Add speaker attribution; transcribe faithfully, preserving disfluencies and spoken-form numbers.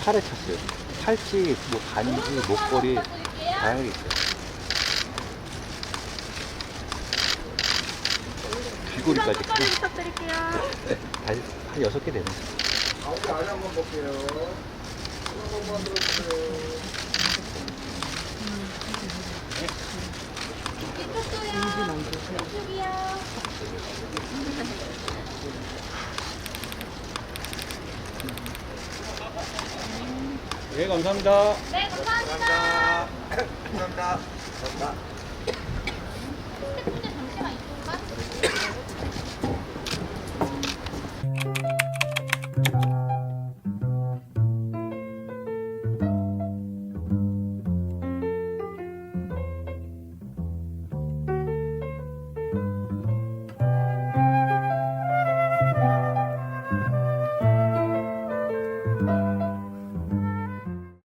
Speaker 1: 팔에 찼어요. 팔찌, 뭐 반지, 목걸이 다양하게 있어요. 귀걸이까지.
Speaker 2: 목걸이 부탁드릴게요.
Speaker 1: 네, 다시 한 여섯 개 되네.
Speaker 3: 아버지 안에 한번 볼게요. 한 번만 들어주세요.
Speaker 2: 이쪽도요. 이쪽이요.
Speaker 1: 네, 감사합니다.
Speaker 2: 네, 감사합니다.
Speaker 3: 감사합니다. 감사합니다. 감사합니다.